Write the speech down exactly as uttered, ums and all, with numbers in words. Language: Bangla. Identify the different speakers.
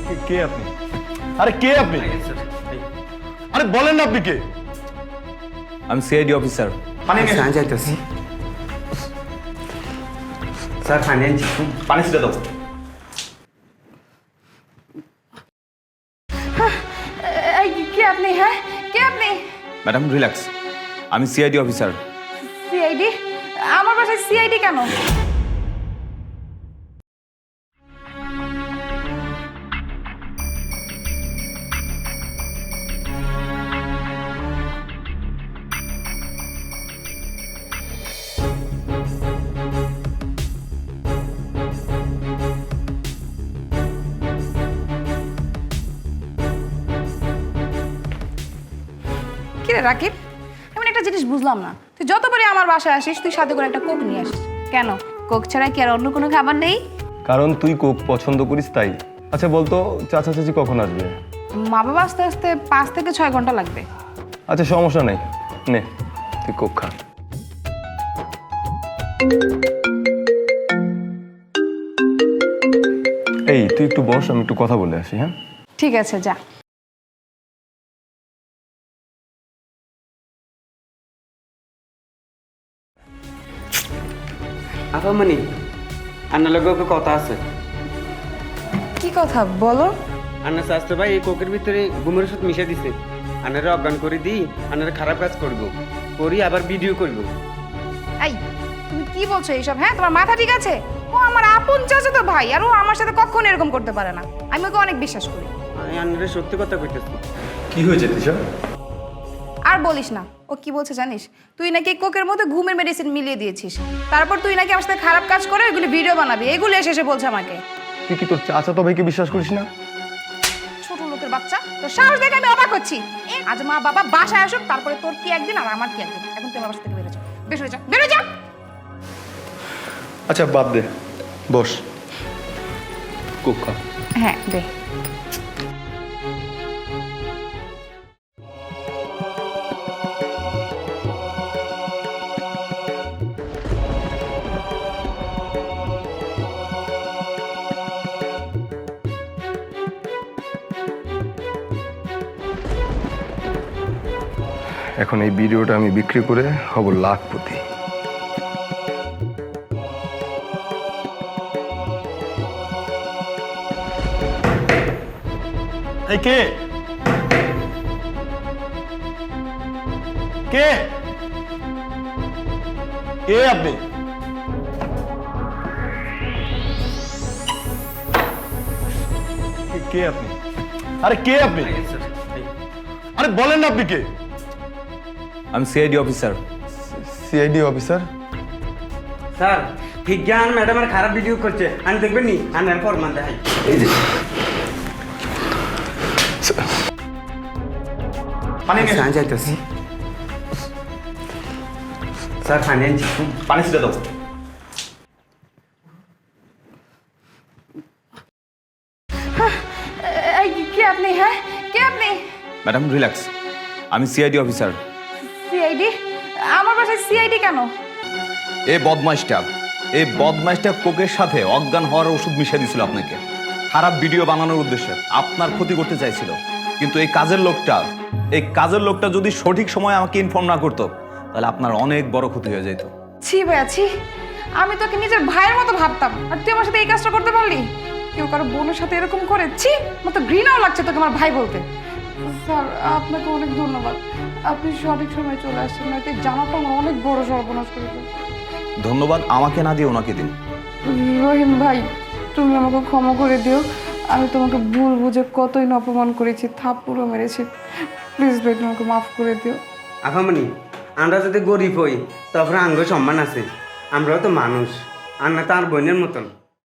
Speaker 1: কে আপনি? আরে কে আপনি? আরে বলেন না আপনি কে?
Speaker 2: আমি সিআইডি অফিসার।
Speaker 1: পানি নিয়ে
Speaker 3: স্যার যাইতেছি স্যার পানি আনছি
Speaker 1: পানি ছিটা দাও।
Speaker 4: এই কে আপনি? হ্যাঁ, কে আপনি?
Speaker 2: ম্যাডাম রিল্যাক্স, আমি সিআইডি অফিসার।
Speaker 4: সিআইডি? আমার বাসায় সিআইডি কেন? কিরে রাকিব, আমি একটা জিনিস বুঝলাম না, তুই যতবারই আমার বাসায় আসিস তুই সাথে করে একটা কোক নিয়ে আসিস কেন? কোক ছাড়া কি আর অন্য কোনো খাবার নেই?
Speaker 1: কারণ তুই কোক পছন্দ করিস তাই। আচ্ছা বলতো চাচা চাচি কখন আসবে?
Speaker 4: মা বাবা আসতে আসতে পাঁচ থেকে ছয় ঘন্টা লাগবে।
Speaker 1: আচ্ছা সমস্যা নেই, নে তুই কোক খা। এই তুই একটু বস, আমি একটু কথা বলে আসি। হ্যাঁ
Speaker 4: ঠিক আছে, যা।
Speaker 3: আপামনি আন্নার লগে ওকে কথা আছে।
Speaker 4: কি কথা বলো?
Speaker 3: আন্না শাস্ত্র ভাই এই কোকের ভিতরে গুমের ওষুধ মিশে দিছে। আন্নারে অজ্ঞান করে দিই, আন্নারে খারাপ কাজ করবো, করি আবার ভিডিও করবো।
Speaker 4: এই তুমি কি বলছো এইসব? হ্যাঁ, তোমার মাথা ঠিক আছে? ও আমার আপন চাচা তো ভাই, আর ও আমার সাথে কখনো এরকম করতে পারে না। আমি ওকে অনেক বিশ্বাস করি।
Speaker 3: আমি আন্নারে সত্যি কথা কইতেছি।
Speaker 1: কি হয়েছে তিশা?
Speaker 4: আর বলিস না, ও কি বলছে জানিস? তুই নাকি কোকের মধ্যে ঘুমের মেডিসিন মিলিয়ে দিয়েছিস, তারপর তুই নাকি আমার সাথে খারাপ কাজ করে ওইগুলি ভিডিও বানাবি, এগুলো এসে এসে বলছে আমাকে।
Speaker 1: তুই কি তোর চাচা তো ভাইকে বিশ্বাস করিস না?
Speaker 4: ছোট লোকের বাচ্চা, তোর সাহস দেখে আমি অবাক হচ্ছি। আজ মা বাবা বাসায় আসুক, তারপরে তোর কি একদিন আর আমার কি একদিন। এখন তুই আমার বাসা থেকে বেরো যা, বের হয়ে যা, বেরো যা।
Speaker 1: আচ্ছা বাদ দে, বস কোক খা।
Speaker 4: হ্যাঁ দে।
Speaker 1: এখন এই ভিডিওটা আমি বিক্রি করে হব লাখপতি। এই কে কে কে আপনি? কে আপনি? আরে কে আপনি? আরে বলেন না আপনি কে?
Speaker 2: আমি CID officer.
Speaker 1: CID officer?
Speaker 3: Sir বিজ্ঞান ম্যাডামের খারাপ ভিডিও করছে, আমি দেখবেন নি আন্নার ফরমান দেখাই। এই যে
Speaker 1: পানি নিয়ে
Speaker 3: স্যার যাইতেছি স্যার পানি আনছি
Speaker 1: পানি ছিটা দাও।
Speaker 4: এই কে আপনি? হ্যাঁ, কে আপনি?
Speaker 2: ম্যাডাম রিল্যাক্স, আমি সিআইডি অফিসার।
Speaker 4: সিআইডি? আমার বাসায় সিআইডি কেন?
Speaker 2: এই বদমাইশটা এই বদমাইশটা কোকের সাথে অজ্ঞান হওয়ার ওষুধ মিশিয়ে দিয়েছিল আপনাকে, খারাপ ভিডিও বানানোর উদ্দেশ্যে আপনার ক্ষতি করতে চাইছিল। কিন্তু এই কাজের লোকটা এই কাজের লোকটা যদি সঠিক সময় আমাকে ইনফর্ম না করতো তাহলে আপনার অনেক বড় ক্ষতি হয়ে যেত।
Speaker 4: ছি ভাইয়া ছি, আমি তোকে নিজের ভাইয়ের মতো ভাবতাম, আর তুই আমার সাথে এই কাজটা করতে পারলি? কেউ কারো বোনের সাথে এরকম করে? ছি, আমার তো ঘৃণাও লাগছে তোকে আমার ভাই বলতে। স্যার আপনাকে অনেক ধন্যবাদ, আপনি সঠিক সময় চলে আসছেন, নয়তো জানাটা আমার অনেক বড় সর্বনাশ করে দিল।
Speaker 2: ধন্যবাদ আমাকে না দিয়ে ওনাকে দিন।
Speaker 4: রহিম ভাই, তুমি আমাকে ক্ষমা করে দিও, আমি তোমাকে ভুল বুঝে কতই না অপমান করেছি, থাপ্পড়ও মেরেছি। প্লিজ ভাই তোমাকে মাফ করে দিও।
Speaker 3: আপামনি আমরা যদি গরিব হই তারপরে আঙ্গ সম্মান আছে, আমরাও তো মানুষ, আন্না তার বোনের মতন।